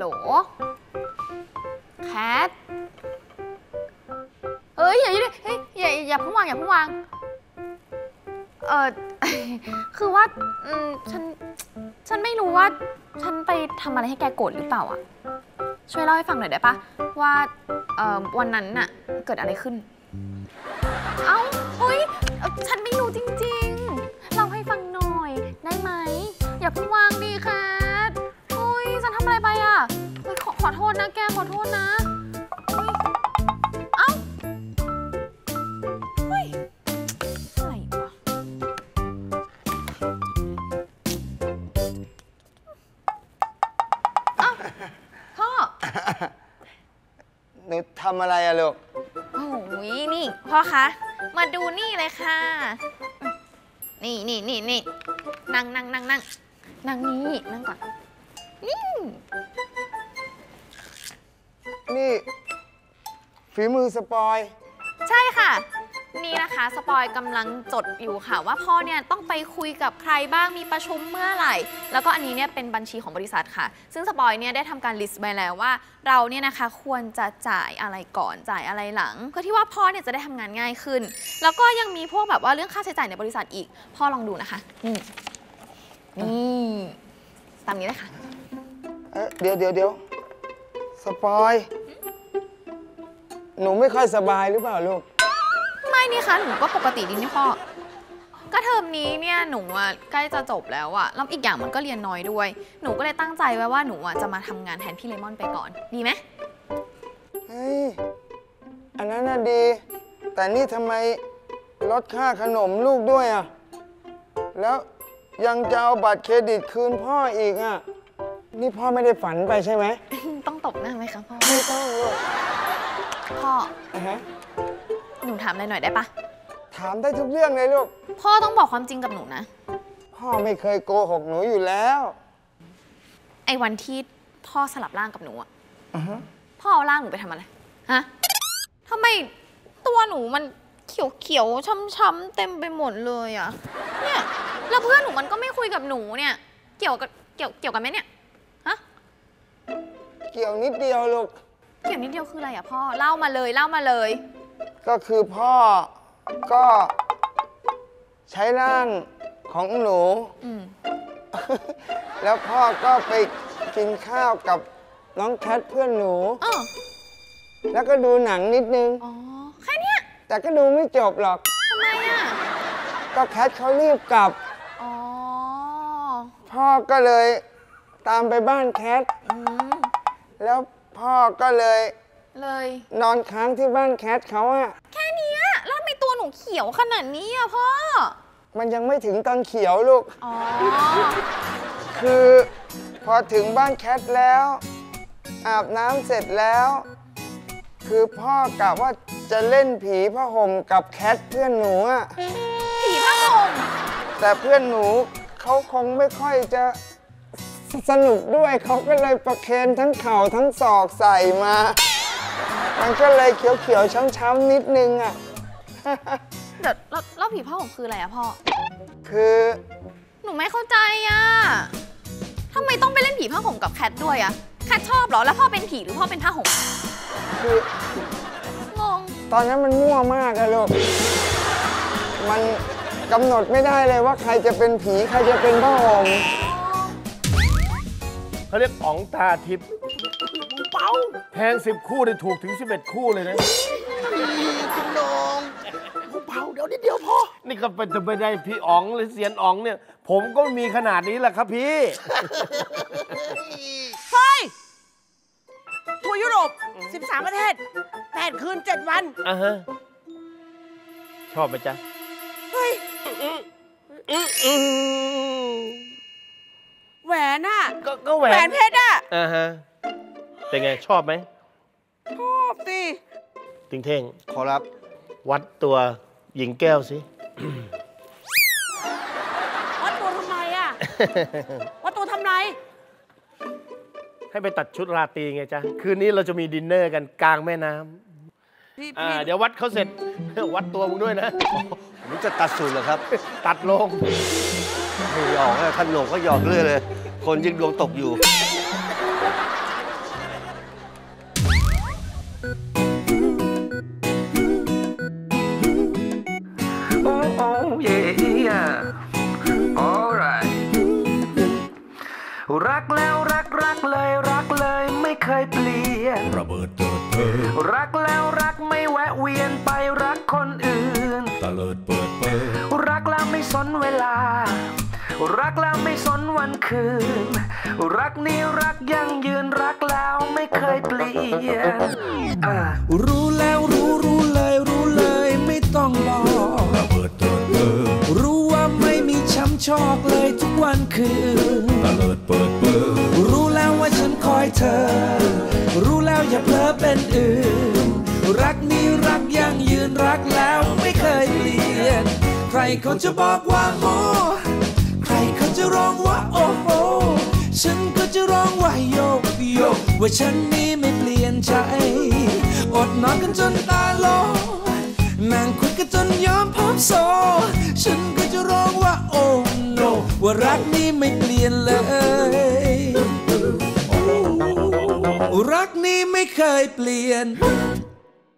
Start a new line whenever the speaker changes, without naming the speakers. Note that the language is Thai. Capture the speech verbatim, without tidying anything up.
โหลแคทเอ้ยอย่าอย่าเฮ้ยอย่าอย่าเพิ่งวางอย่าเพิ่งวางเออคือว่าอืมฉันฉันไม่รู้ว่าฉันไปทำอะไรให้แกโกรธหรือเปล่าอ่ะช่วยเล่าให้ฟังหน่อยได้ปะว่าเอ่อวันนั้นน่ะเกิดอะไรขึ้นเอ้าเฮ้ยฉันไม่รู้จริงๆเล่าให้ฟังหน่อยได้ไหมอย่าเพิ่งวางดิแคทเฮ้ยฉันทำอะไรไปอ่ะเฮ้ยขอขอโทษนะแกขอโทษนะเฮ้ยเอ้าเฮ้ยอะไรวะเอ้าพ่อ
หนูทำอะไรอะลูก
โอ้ยนี่พ่อคะมาดูนี่เลยค่ะนี่นี่นี่นี่นั่งนั่งนั่งนั่งนั่งนี่นั่งก่อนนี่
นี่ฝีมือสปอย
ใช่ค่ะนี่นะคะสปอยกำลังจดอยู่ค่ะว่าพ่อเนี่ยต้องไปคุยกับใครบ้างมีประชุมเมื่อไหร่แล้วก็อันนี้เนี่ยเป็นบัญชีของบริษัทค่ะซึ่งสปอยเนี่ยได้ทำการลิสต์ไว้แล้วว่าเราเนี่ยนะคะควรจะจ่ายอะไรก่อนจ่ายอะไรหลังเพื่อที่ว่าพ่อเนี่ยจะได้ทำงานง่ายขึ้นแล้วก็ยังมีพวกแบบว่าเรื่องค่าใช้จ่ายในบริษัทอีกพ่อลองดูนะคะนี่นี่ตามนี้เลยค่ะ
เอ๊ะเดี๋ยวเดี๋ยวเดี๋ยวสปอยหนูไม่ค่อยสบายหรือเปล่าลูก
ไม่นี่คะหนูก็ปกติดีนี่พ่อก็เทอมนี้เนี่ยหนูอ่ะใกล้จะจบแล้วอ่ะแล้วอีกอย่างมันก็เรียนน้อยด้วยหนูก็เลยตั้งใจไว้ว่าหนูอ่ะจะมาทำงานแทนพี่เลมอนไปก่อนดีไหม
เฮ้ยอันนั้นน่ะดีแต่นี่ทำไมลดค่าขนมลูกด้วยอ่ะแล้วยังจะเอาบัตรเครดิตคืนพ่ออีกอ่ะนี่พ่อไม่ได้ฝันไปใช่ไหม
ต้องตบหน้าไหมคะพ่อ
ไม่ต้องลูก
พ่อ
uh huh.
หนูถามอะไรหน่อยได้ปะ
ถามได้ทุกเรื่องเลยลูก
พ่อต้องบอกความจริงกับหนูนะ
พ่อไม่เคยโกหกหนูอยู่แล้ว
ไอ้วันที่พ่อสลับร่างกับหนูอะ
uh huh.
พ่อเอาร่างหนูไปทำอะไรฮะทำไมตัวหนูมันเขียวเขียวช้ำๆเต็มไปหมดเลยอะเนี่ยแล้วเพื่อนหนูมันก็ไม่คุยกับหนูเนี่ยเกี่ยวกับเกี่ยวเกี่ยวกันไหมเนี่ยฮะ
เกี่ยวนิดเดียวลูก
เกี่ยวนิดเดียวคืออะไรอะพ่อเล่ามาเลยเล่ามาเลย
ก็คือพ่อก็ใช้ร่างของหนูแล้วพ่อก็ไปกินข้าวกับน้องแคทเพื่อนหนูแล้วก็ดูหนังนิดนึง
อ๋อแค่นี้
แต่ก็ดูไม่จบหรอก
ทำไมอะ
ก็แคทเขารีบกลับอ๋อพ่อก็เลยตามไปบ้านแคทแล้วพ่อก็เลย
เลย
นอนค้างที่บ้านแคทเขาอะ
แค่นี้แล้วทำไมตัวหนูเขียวขนาดนี้อะพ่อ
มันยังไม่ถึงตอนเขียวลูก
อ๋อ
คือพอถึงบ้านแคทแล้วอาบน้ำเสร็จแล้วคือพ่อกะว่าจะเล่นผีผ้าห่มกับแคทเพื่อนหนูอะ
ผีผ้าห่ม
แต่เพื่อนหนูเขาคงไม่ค่อยจะสนุกด้วยเขาก็เลยประเคนทั้งเข่าทั้งศอกใส่มามันก็เลยเขียวๆช้ำๆนิดนึงอ่ะ
เดี๋ยวแล้วผีผ้าห่มคืออะไรอะพ่อ
คือ
หนูไม่เข้าใจอะทำไมต้องไปเล่นผีผ้าห่มกับแคทด้วยอะแคทชอบเหรอแล้วพ่อเป็นผีหรือพ่อเป็นผ้าห่ม
คืองงตอนนั้นมันมั่วมากอะลูกมันกำหนดไม่ได้เลยว่าใครจะเป็นผีใครจะเป็นผ้าห่ม
เขาเรียกอ๋องตาทิพย์เป้าแทงสิบคู่ได้ถูกถึงสิบเอ็ดคู่เลยนะ
คุณน้องเป้าเดี๋ยวนิดเดียวพอ
นี่ก็เป็นจะไปได้พี่อ๋องหรือเสียนอ๋องเนี่ยผมก็มีขนาดนี้แหละครับพี่
เฮ้ยทัวร์ยุโรปสิบสามประเทศแปดคืนเจ็ดวัน
อ่ะฮะชอบไหมจ๊ะ
เฮ้ยแหวนน่ะ
ก็แหวน
แหวนเพชรอ่ะ
อ่าฮะเป็นไงชอบไหม
ชอบสิ
ติงเท่ง
ขอรับ
วัดตัวหญิงแก้วสิ
วัดตัวทำไมอ่ะวัดตัวทำไร
ให้ไปตัดชุดราตรีไงจ๊ะคืนนี้เราจะมีดินเนอร์กันกลางแม่น้ำอ่าเดี๋ยววัดเขาเสร็จวัดตัวมึงด้วยนะ
มึงจะตัดสูตรเหรอครับ
ตัดลง
ไม่หยอกนะท่านหลวงก็หยอกเรื่อยเลยคนยิ่งดวงตกอยู่
รักแล้วรักรักเลยรักเลยไม่เคยเปลี่ยนระเบิดเติดเพิงรักแล้วรักไม่แวะเวียนไปรักคนอื่นตะเลิดเปิดเปิดรักแล้วไม่สนเวลารักแล้วไม่สนวันคืนรักนี้รักยั่งยืนรักแล้วไม่เคยเปลี่ยนอ่ารู้แล้วรู้รู้เลยรู้เลยไม่ต้องบอกระเบิดเติดเปิดรู้ว่าไม่มีช้ำชอกเลยทุกวันคืนตะเลิดเปิดเปิดรู้แล้วว่าฉันคอยเธอรู้แล้วอย่าเพ้อเป็นอื่นรักนี้รักยั่งยืนรักแล้วไม่เคยเปลี่ยนใครเขาจะบอกว่าโอ้ใครเขาจะร้องว่าโอ้โหฉันก็จะร้องว่าโยกโยกว่าฉันนี้ไม่เปลี่ยนใจอดนอนกันจนตาโลนั่งคุยกันจนยอมพบโซฉันก็จะร้องว่าโอ้โนว่ารักนี้ไม่เปลี่ยนเลยรักนี้ไม่เคยเปลี่ยน